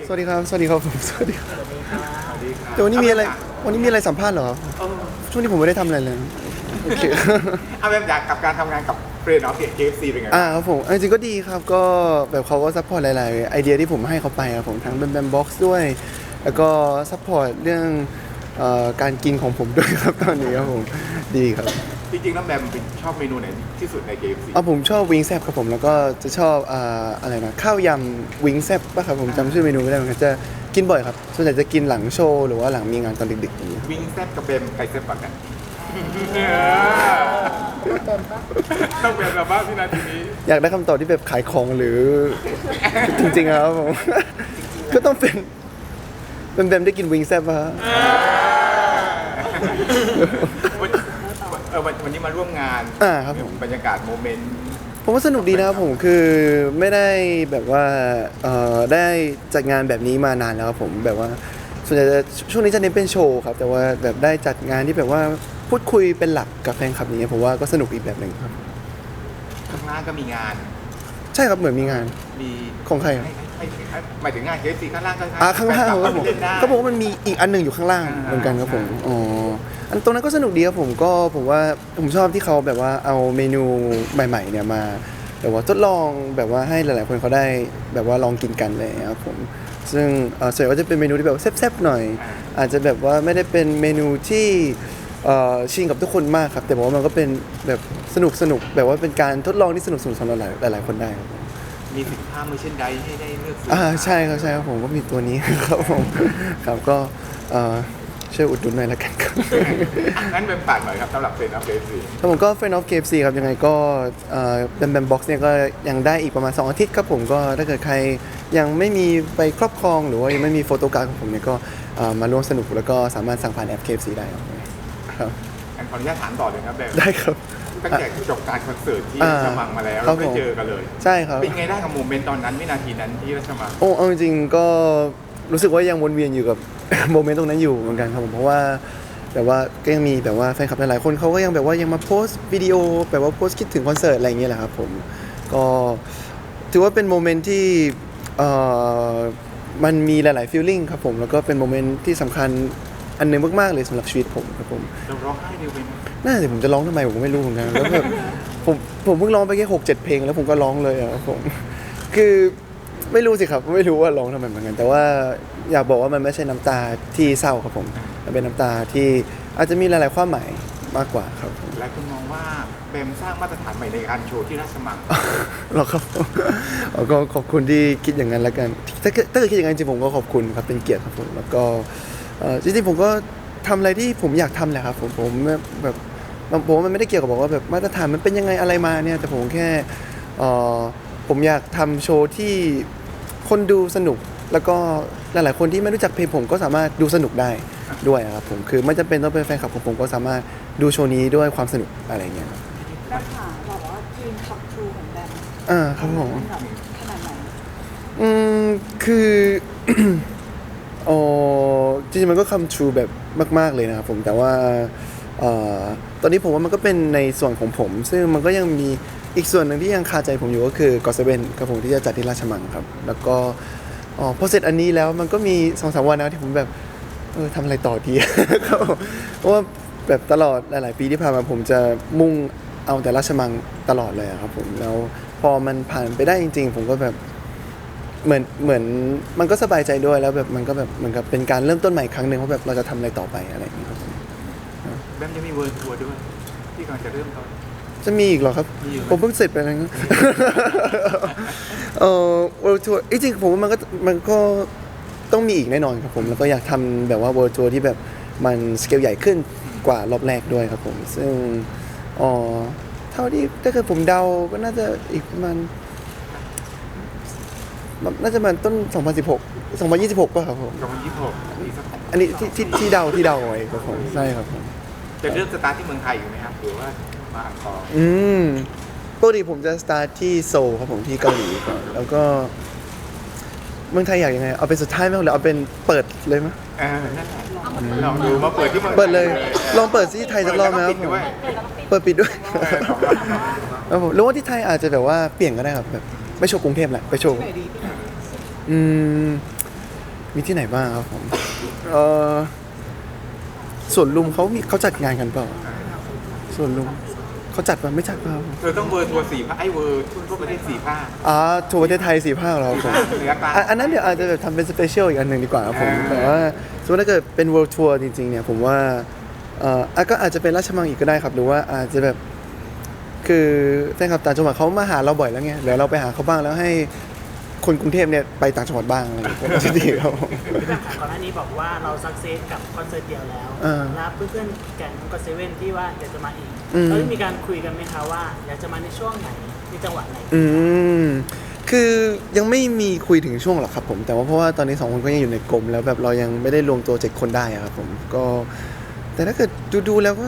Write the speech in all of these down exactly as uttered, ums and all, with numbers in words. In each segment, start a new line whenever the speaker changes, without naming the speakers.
สวัสดีครับสวัสดีครับผมสวัสดีครับ
สวัสดีครับ
แต่วันนี้มีอะไรวันนี้มีอะไรสัมภาษณ์เหรอ
เออ
ช่วงนี้ผมไม่ได้ทำอะไรเลยโอเค
เอาแบบอยากกับการทำงานกับเฟรนด์ออฟเคเอฟซีเป็นไง
อ่า
บ้าง
ครับผมเอาจริงๆก็ดีครับก็แบบเขาก็ซัพพอร์ตหลายๆไอเดียที่ผมให้เขาไปครับผมทั้งแบมแบมบ็อกซ์ด้วย แล้วก็ซัพพอร์ตเรื่องเอ่อการกินของผมด้วยครับตอนนี้ครับผมดีครับ
จริงๆแล้วแบมเป็นชอบเมนูไหนที่สุดใน เค เอฟ ซี
เอาผมชอบวิงแซบครับผมแล้วก็จะชอบอ่าอะไรนะข้าวยำวิงแซบป่ะครับผมจำชื่อเมนูไม่ได้เหมือนกันจะกินบ่อยครับส่วนใหญ่จะกินหลังโชว์หรือว่าหลังมีงานตอนดึกๆอย่างนี้ย
วิงแซบกับเบมใครแซบกว่ากัน ต้องเป็นแบบว่าพี่นาทีนี้
อยากได้คำตอบที่แบบขายของหรือ จริงๆครับผม ก็ต้องเป็นเป็นแบมได้กินวิงแซบป่ะฮะ
วันเออวันวันนี้มาร่วมงาน
อ่าครับผม
บรรยากาศโมเมนต์
ผมว่าสนุกดีนะครับผมคือไม่ได้แบบว่าเอ่อได้จัดงานแบบนี้มานานแล้วครับผมแบบว่าส่วนใหญ่จะช่วงนี้จะเน้นเป็นโชว์ครับแต่ว่าแบบได้จัดงานที่แบบว่าพูดคุยเป็นหลักกับแฟนคลับอย่างเงี้ยผมว่าก็สนุกอีกแบบหนึ่งครับ
ข้างหน้าก็มีงาน
ใช่ครับเหมือนมีงาน
มี
ของใครอะ
ให้ให้ให้หมายถึงงานเคเอฟซีข้างล่างก็
อ่าข้างล่างครับผม
เล่นได้
เขาบอกว่ามันมีอีกอันหนึ่งอยู่ข้างล่าง
อ่า
เหมือนกันครับผม
ใช่
อ๋ออันตรงนั้นก็สนุกดีครับผมก็ผมว่าผมชอบที่เขาแบบว่าเอาเมนูใหม่ๆเนี่ยมาแบบว่าทดลองแบบว่าให้หลายๆคนเขาได้แบบว่าลองกินกันเลยครับผมซึ่งเอ่อส่วนใหญ่ก็จะเป็นเมนูที่แบบแซ่บๆหน่อย อาจจะแบบว่าไม่ได้เป็นเมนูที่เอ่อชินกับทุกคนมากครับแต่ว่ามันก็เป็นแบบสนุกสนุกแบบว่าเป็นการทดลองที่สนุกสนุกสำหรับหลายหลายๆคนได้ครับผม
มีสินค้ามือเช่นใดให้ได้เลือกซื้
อ่าใช่ครับใช่ครับผมก็มีตัวนี้ ครับผมครับก็เอ่อช่วยอุดหนุนหน่อยละกันครับ
อ่ะงั้นเป็นฝากหน่อยครับสำหรับเฟรนด์ออฟเคเอฟซี
ครับผมก็ Friend of เค เอฟ ซี ครับยังไงก็แบมแบมบ็อกซ์เนี่ยก็ยังได้อีกประมาณสองอาทิตย์ครับผมก็ถ้าเกิดใครยังไม่มีไปครอบครองหรือว่ายังไม่มีโฟโต้การ์ดของผมเนี่ยก็เอ่อมาร่วมสนุกแล้วก็สามารถสั่งผ่านแอป เค เอฟ ซี ได้ครับครับ
งั้นขออนุญาตถามต่อเลยครับแบม
ได้ครับ
ตั้งแต่จบการคอนเสิร์ตที่
อ่า
ราชมังมาแล้ว
ครั
เรา
บ
ได้
ผม
เจอกันเลย
ใช่ครับ
เป็นไงได้กับโมเมนต์ตอนนั้นวินาทีนั้นที่ราชมัง
โอ้เอาจริงๆก็รู้สึกว่ายังวนเวียนอยู่กับ โมเมนต์ตรงนั้นอยู่เหมือนกันครับผมเพราะว่าแบบว่าก็ยังมีแบบว่าแฟนคลับหลายๆคนเขาก็ยังแบบว่ายังมาโพสต์วิดีโอแบบว่าโพสต์คิดถึงคอนเสิร์ตอะไรอย่างเงี้ยแหละครับผมก็ถือว่าเป็นโมเมนต์ที่เอ่อมันมีหลายๆฟีลลิ่งครับผมแล้วก็เป็นโมเมนต์ที่สำคัญอันหนึงมากๆเลยสำหรับชีวิตผมครับผม
เราร้องไห้เร็วไปไหม
น่าจะผมจะร้องทำไมผมก็ไม่รู้เหมือนกันแล้วแบบผมผมเพิ่งร้องไปแค่หกเจ็ดเพลงแล้วผมก็ร้องเลยอะครับผมคือไม่รู้สิครับไม่รู้ว่าร้องทำไมเหมือนกัน แต่ว่าอยากบอกว่ามันไม่ใช่น้ำตาที่เศร้าครับผมมันเป็นน้ำตาที่อาจจะมีหลาย ๆ ความหมายมากกว่าครับผม
หลายคนมองว่าเบมสร้างมาตรฐานใหม่ในการโชว์ที่ราชมัง
หรอครับผมอ๋อก็ขอบคุณที่คิดอย่างนั้นแล้วกันถ้าเกิดถ้าเกิดคิดอย่างนั้นจริงๆผมก็ขอบคุณครับเป็นเกียรติครับผมแล้วก็เอ่อจริงๆผมก็ทำอะไรที่ผมอยากทำแหละครับผมผมแบบผมว่ามันไม่ได้เกี่ยวกับบอกว่าแบบมาตรฐานมันเป็นยังไงอะไรมาเนี่ยแต่ผมแค่เอ่อผมอยากทำโชว์ที่คนดูสนุกแล้วก็หลายๆคนที่ไม่รู้จักเพลงผมก็สามารถดูสนุกได้ด้วยครับผมคือไม่จำเป็นต้องเป็นแฟนคลับของผมก็สามารถดูโชว์นี้ด้วยความสนุกอะไรอย่างเงี้ยครับ
แบมค่ะบอกว่าทีมคับทรูของแบม
อ่าครับผม
นแบบขนาดไหน
อืมคือ อ๋อจริงๆมันก็คำ true แบบมากๆเลยนะครับผมแต่ว่าเอ่อตอนนี้ผมว่ามันก็เป็นในส่วนของผม ซึ่งมันก็ยังมีอีกส่วนหนึ่งที่ยังคาใจผมอยู่ก็คือ ก็อต เซเว่น ครับผมที่จะจัดที่ราชมังครับ แล้วก็อ๋อพอเสร็จอันนี้แล้วมันก็มีสองสามวันนะที่ผมแบบเออทำอะไรต่อดี ครับผมเพราะว่าแบบตลอดหลาย ๆ ปีที่ผ่านมาผมจะมุ่งเอาแต่ราชมังตลอดเลยอะครับผมแล้วพอมันผ่านไปได้จริง ๆ ผมก็แบบ เหมือนเหมือนมันก็สบายใจด้วยแล้วแบบมันก็แบบเหมือนกับเป็นการเริ่มต้นใหม่อีกครั้งหนึ่งว่าแบบเราจะทำอะไรต่อไปอะไรอย่างเงี้ยครับผม
แบมจะมีเวิร์ลทัวร์ด้วย ที่กำลังจะเริ่มต้น
จะมีอีกเหรอครับ
มีอยู่ไหม
ผมเพิ่งเสร็จไปแล้วนะ เออ world tour จริงๆผมว่ามันก็มันก็ต้องมีอีกแน่นอนครับผมแล้วก็อยากทำแบบว่า world tour ที่แบบมันสเกลใหญ่ขึ้นกว่ารอบแรกด้วยครับผมซึ่งอ๋อเท่าที่ถ้าเกิดผมเดาก็น่าจะอีกประมาณ น่าจะประมาณต้น สองพันสิบหก สองพันยี่สิบหก ป่ะครับผม
สองพันยี่สิบหกอีกสัก
อันนี้ที่ที่ที่เดาที่เดาไว้ครับผมใช่ครับผม
จะเริ่มสตาร์ทที่เมืองไทยอยู่ไหมครับหรือว่ามาอังกอร์
อืมปกติผมจะสตาร์ทที่โซลครับผมที่เกาหลีก่อนแล้วก็เมืองไทยอยากยังไง เอาเป็นสุดท้ายไหมหรือเอาเป็นเปิดเลยไหม
เออนั่นแหละลองดูมาเปิดที่เมืองไท
เปิดเลย ลองเปิดที่ไทยสักรอบไหมครับ
เปิด
ผม
แล้วก็ปิดด้วย
เปิดปิดด้วย
เออสองรอบ
ครับผมหรือว่าที่ไทยอาจจะแบบว่าเปลี่ยนก็ได้ครับแบบไม่โชว์กรุงเทพแหละไปโชว์อืมมีที่ไหนบ้างครับผมเออส่วนลุมเขามีเขาจัดงานกันเปล่าส่วนลุมเขาจัดป่ะไม่จัดเปล่า
เธอต้องเวอร์ทัวร์สี่ภาคไอ้เวอร์ทั่วประเทศสี่ภาค
อ่าทัวร์ประเทศไทยสี่ภาคเหรอครับผม
เหนือกลาง
อ่ะอันนั้นเดี๋ยวอาจจะแบบทำเป็นสเปเชียลอีกอันหนึ่งดีกว่าครับผม
อ่า
แต่ว่าสมมติถ้าเกิดเป็น world tour จริงๆเนี่ยผมว่าเอ่ออ่ะก็อาจจะเป็นราชมังอีกก็ได้ครับ หรือว่าอาจจะแบบคือแฟนคลับต่างจังหวัดเขามาหาเราบ่อยแล้วไงเดี๋ยวเราไปหาเขาบ้างแล้วให้คนกรุงเทพเนี่ยไปต่างจังหวัดบ้างอะไรอย่างเงี้ยก็จะดีครับผม
พี่แบมค่ะก่อนหน้านี้บอกว่าเราสักเซสกับคอนเสิร์ตเดียวแล้ว
อ่า
แล้วเพื่อนๆแก๊งก็เซเว่นที่ว่าอยากจะมาอีก
อืม
เราได้มีการคุยกันไหมคะว่าอยากจะมาในช่วงไหนในจังหวะไหน
อืมคือยังไม่มีคุยถึงช่วงหรอกครับผมแต่ว่าเพราะว่าตอนนี้สองคนก็ยังอยู่ในกลมแล้วแบบเรายังไม่ได้รวมตัวเจ็ดคนได้อะครับผมก็แต่ถ้าเกิดดูดูๆแล้วก็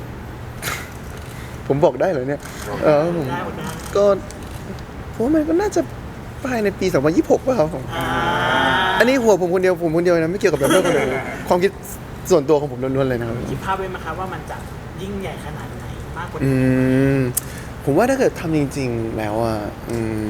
ผมบอกได้เหรอเนี่ยเออผม
ได้หมดได้
ก็ผมว่ามันก็น่าจะภายในปีสองพันยี่สิบหกป่ะครับผม
อ่า
อันนี้หัวผมคนเดียวผมคนเดียวนะไม่เกี่ยวกับแบบเพื่อนคนอื่นเลยความคิดส่วนตัวของผมล้วนๆเลยนะครับ
คิดภาพไว้ไหมคะว่ามันจะยิ่งใหญ่ขนาดไหนมากกว่า
อื
นี้
มผมว่าถ้าเกิดทำจริง ๆ แล้วอ่ะอืม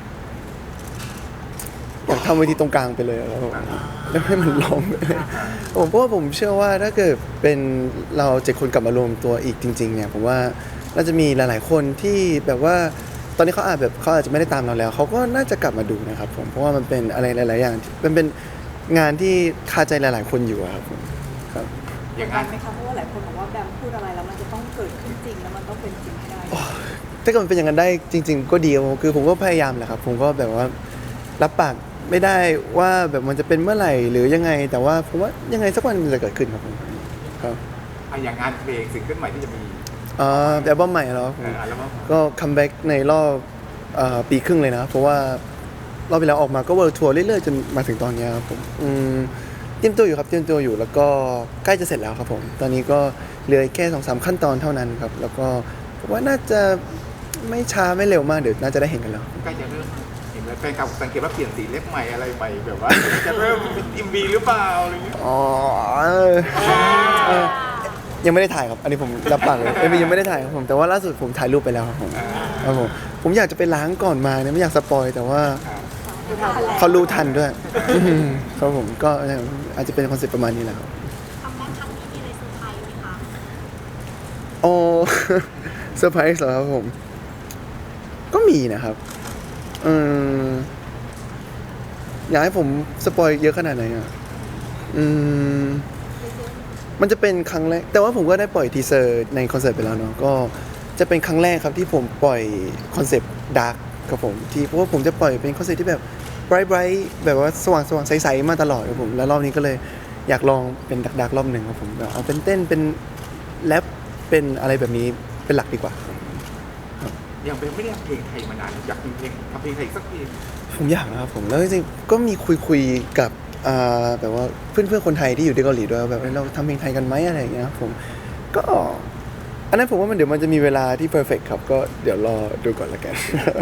อยากทำเวทีตรงกลางไปเลยอะแล้วแล้วให้มันล้อมไปเลยผมเพราะว่าผมเชื่อว่าถ้าเกิดเป็นเราเจ็ดคนกลับมารวมตัวอีกจริง ๆ เนี่ยผมว่าน่าจะมีหลาย ๆ คนที่แบบว่าตอนนี้เขาอาจแบบเขาอาจจะไม่ได้ตามเราแล้วเขาก็น่าจะกลับมาดูนะครับผมเพราะว่ามันเป็นอะไรหลาย ๆ อย่างที่มันเป็นงานที่คาใจหลาย ๆ คนอยู่อะครับผมครับ
อย่าง
กด
นั้
ดั
น
นไหมคะเพราะว่าหลายคนบอกว่าแบมพูดอะไรแล้วมันจะต้องเกิดขึ้นจริงแล้วมันต้องเป็นจริงให้ได้
ถ้าเกิดมันเป็นอย่างนั้นได้จริง ๆ ก็ดีครับผมคือผมก็พยายามแหละครับผมก็แบบว่ารับปากไม่ได้ว่าแบบมันจะเป็นเมื่อไหร่หรือยังไง แต่ว่าผมว่ายังไงสักวันมันจะเกิดขึ้นครับผมครับ
อ่ะอย่างงานเพลงสิ่งขึ้นใหม่ที่จะมี
อ่าอัลบั้มใหม่แล้วครับผ
เอ่
ม
ออัลบั้ม
ก็คัมแบ็กในรอบเอ่อปีครึ่งเลยนะเพราะว่ารอบที่แล้วออกมาก็เวิร์ทัวร์เรื่อยๆจนมาถึงตอนเนี้ยครับผมอืมเตรียมตัวอยู่ครับเตรียมตัวอยู่แล้วก็ใกล้จะเสร็จแล้วครับผมตอนนี้ก็เหลือแค่สองสามขั้นตอนเท่านั้นครับแล้วก็ผมว่าน่าจะไม่ช้าไม่เร็วมากเดี๋ยวน่าจะได้เห็นกันแล้ว
ใกล้จะเริ่มเห็นแล้วแฟนคลับสังเกตว่าเปลี่ยนสีเล็บใหม่อะไรใหม่แบบว่า จะเริ่มเป็นอิมวีหรือเปล่าอะไรอย่างเงี้ย
อ๋อเออเออยังไม่ได้ถ่ายครับ อันนี้ผมรับปากเลยเอ้ยยังไม่ได้ถ่ายครับผม แต่ว่าล่าสุดผมถ่ายรูปไปแล้วครับผมครับผม ผมอยากจะไปล้างก่อนมาเนี่ยไม่อยากสปอยแต่ว่าเขารู้ทันด้วยอืมครับผมก็อาจจะเป็นคอนเซ็ปต์ประมาณนี้แหละครับ
ทำแบงค์ครั้งนี้มีอะไรเซอร์ไพรส์ไหมคะ
โอ้ เซอร์ไพรส์เหรอครับผม ก็มีนะครับอืมอยากให้ผมสปอยเยอะขนาดไหนอ่ะอืม มันจะเป็นครั้งแรก แต่ว่าผมก็ได้ปล่อยทีเซอร์ในคอนเสิร์ตไปแล้วเนาะ ก็จะเป็นครั้งแรกครับที่ผมปล่อยคอนเซปต์ดาร์กครับผมที่เพราะว่าผมจะปล่อยเป็นคอนเซปต์ที่แบบไบรท์ไบรท์แบบว่าสว่างสว่างใสๆมาตลอดครับผม แล้วรอบนี้ก็เลยอยากลองเป็นดาร์กดาร์กรอบหนึ่งครับผมแบบเอาเป็นเต้นเป็นแรปเป็นอะไรแบบนี้เป็นหลักดีกว่า
ยังเป็นไม่ได้ทำเพลงไทยมานานอยากทำเพลงทำเพลงไทยสักเพลง
ผมอยากนะครับผมแล้วจริงๆก็มีคุยคุยๆกับอ่าแบบว่าเพื่อนเพื่อนๆคนไทยที่อยู่ที่เกาหลีด้วยว่าแบบเอ้ยเราทำเพลงไทยกันไหมอะไรอย่างเงี้ยครับผมก็อันนั้นผมว่ามันเดี๋ยวมันจะมีเวลาที่เพอร์เฟกครับก็เดี๋ยวรอดูก่อนละกัน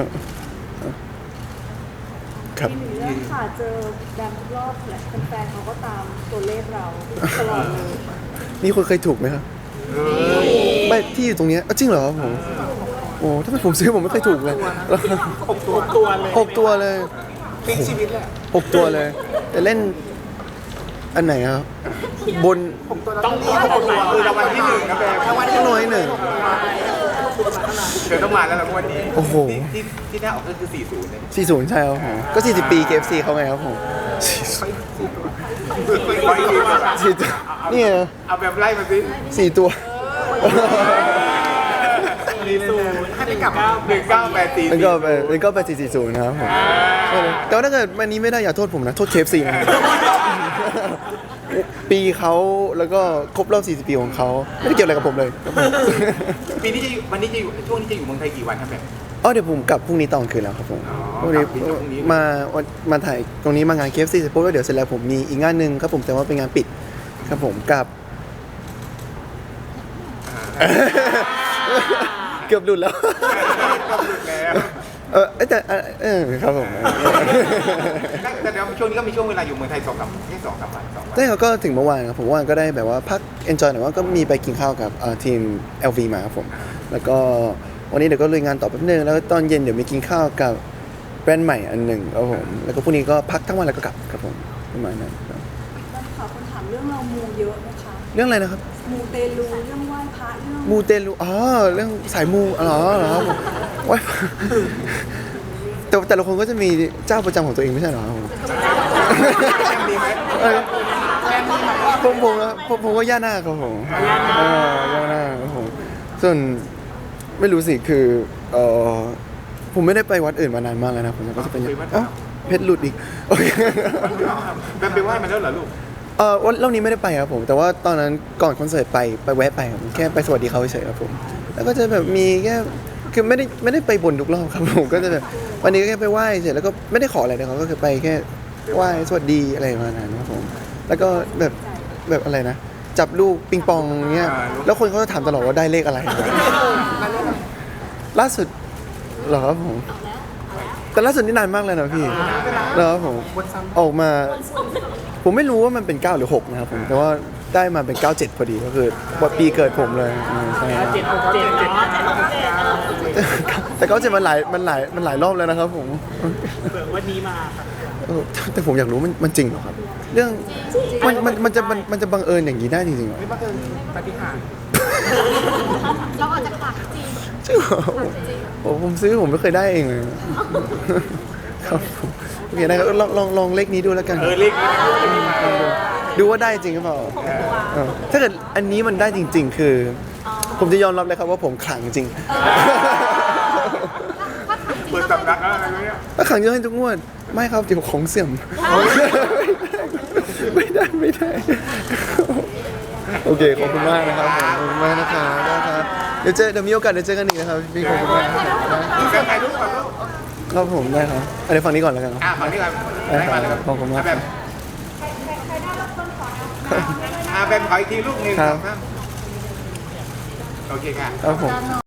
ครับ
มีหนึ่งเรื่องค่ะเจอแบมทุกรอบแหละแฟนๆเขาก็ตามตัวเลขเราตลอดเลย
มีคนเคยถูกไหมครับไม่ที่อยู่ตรงเนี้ยอ้าวจริงเหรอครับผมโอ้ถ้าเป็นผมซื้อผมไม่เคยถูกเลย
หกตัวตัวเลย
หกตัวเลย
พลิกชีวิตเลย
หกตัวเลยแต่เล่นอันไหนครับบน
ต้องมี
หกตัวคือรางวัลที่หนึ่งนะแบม
รางวัลที่น้อยหนึ่ง
เดี๋ยวต้องมาแล้วล่ะวันนี้
โอ้โห
ที่ที่ที่หน้าออกก็คือสี่ศูนย์เนี่ย
สี่สิบใช่ครับผมก็สี่สิบปี เค เอฟ ซี เขาไงครับผม
ไว้ดีกว่า
สี่ตัวนี่ไง
เอาแบบไล่มาสิ
สี่ตัว
สี่ศูนย์ให้ไปกลับ
หนึ่งเก้าแปดสี่
แล้วก็ไปแล้วก็ไปสี่สี่ศูนย์นะครับผมแต่ว่าถ้าเกิดวันนี้ไม่ได้อย่าโทษผมนะ โทษ เค เอฟ ซี นะ ปีเขาแล้วก็ครบรอบสี่สิบปีของเขาไม่ได้เกี่ยวอะไรกับผมเลยครับผม
ปีนี้จะอยู่วันนี้จะอยู่ช่วงนี้จะอยู่เมืองไทยกี่วันครับแบบ
อ๋อเดี๋ยวผมกลับพรุ่งนี้ตอนคืนแล้วครับผม
อ๋อ
พรุ่งนี้
กลับพรุ่งนี้
มาวันมาถ่ายตรงนี้มางาน เค เอฟ ซี เสร็จปุ๊บแล้วเดี๋ยวเสร็จแล้วผมมีอีกงานหนึ่งครับผมแต่ว่าเป็นงานปิดครับผมกับ เกือบหลุดแล้ว
ก็หลุดแล้ว
เออเอ้ยแต่เออเออครับผม
แต่เดี๋ยวช่วงนี้ก็มีช่วงเวลาอยู่เมืองไทยสองสามแค่สองสามวันสองวัน
ใช่ครับก็ถึงเมื่อวานครับผมเมื่อวานก็ได้แบบว่าพัก enjoy หน่อยว่าก็มีไปกินข้าวกับเอ่อทีม แอล วี มาครับผมแล้วก็วันนี้เดี๋ยวก็ลุยงานต่อแป๊บนึงแล้วตอนเย็นเดี๋ยวมีกินข้าวกับแบรนด์ใหม่อันหนึ่งครับผมแล้วก็พรุ่งนี้ก็พักทั้งวันแล้วก็กลับครับผมอืประมาณนั้นครับ
ต้นขอคนถามเรื่องเรามูเยอะไหมคะ
เรื่องอะไรนะครับ
มูเตลูเรื่องไหว้พระเรื่อง
มูเตลูอ๋อเรื่องสายมูอ๋อเหรอครับผมไหว้พระแต่แต่ละคนก็จะมีเจ้าประจำของตัวเองไม่ใช่เหรอครับผม
แอมมีไหม
เออผมผมนะผมผมก็ย่านาคครับผมเออย่านาคครับผมส่วนไม่รู้สิคือเออผมไม่ได้ไปวัดอื่นมานานมากแล้วนะผมก็จะเป็นเอ้าเพชรหลุดอีกโอเค
แบมไปไหว้มาแล้วเหรอลูก
เออวันรอบนี้ไม่ได้ไปครับผมแต่ว่าตอนนั้นก่อนคอนเสิร์ตไปไปแวะไปครับผมแค่ไปสวัสดีเขาเฉยๆครับผมแล้วก็จะแบบมีแค่คือไม่ได้ไม่ได้ไปบนทุกรอบครับผมก็จะแบบวันนี้ก็แค่ไปไหว้เฉยแล้วก็ไม่ได้ขออะไรนะครับก็คือไปแค่ไหว้สวัสดีอะไรประมาณนั้นครับผมแล้วก็แบบแบบอะไรนะ จับลูกปิงปองเงี้ยแล้วคนเขาจะถามตลอดว่าได้เลขอะไรล่าสุดเหรอครับผมแต่ล่าสุดนี่นานมากเลยนะพี่แล้วครับผมออกมา ผมไม่รู้ว่ามันเป็นเก้าหรือหกนะครับผมแต่ว่าได้มาเป็นเก้าเจ็ดพอดีก็คือวันปีเกิดผมเลยอืมใช่ครับ
เจ็ดหกเจ็ดเจ็ดเจ็ดหกเจ็ด
แต่เก้าเจ็ดมันหลายมันหลายมันหลายรอบแล้วนะครับผม
เผื่อวันนี้มาครับ
เออแต่ผมอยากรู้มันมันจริงเหรอครับ เรื่องมันมันมันจะมันมันจะบังเอิญอย่างนี้ได้จริงๆเหรอ
นี่มันคือปาฏิหาริย์
เราอาจจะขาดจริง
จริงเหรอผมผมซื้อผมไม่เคยได้เองเลยครับผมโอเคนะครับลองลองลองเลขนี้ดูแล้วกัน
เออเลขนี้
ดูว่าได้จริงหรือเปล่าเออถ้าเกิดอันนี้มันได้จริง ๆ คือ ผมจะยอมรับเลยครับว่าผมขลังจริง
เปิดสำนักอะไรเนี่ย
ถ้าขลังเยอะให้ทุกงวด ไม่ครับเดี๋ยวของเสื่อม ไม่ได้ไม่ได้ โอเคขอบคุณมากนะครับผมขอบคุณมากนะครับได้ครับเดี๋ยวเจอเดี๋ยวมีโอกาสเดี๋ยวเจอกันอีกนะครับพี่ขอบคุณมากครับ
มีแฟนใครลูกก่อนลูก
ครับผมได้ครับอันนี้ฝั่งนี้ก่อนแล้วกันครับ
อ่าฝั่งนี้ก่อน
ได้ครับขอบคุณมาก
แบบอ่าแบมขออีกทีลูกหนึ่ง
ครับ
โอเคค่ะ
ครับผม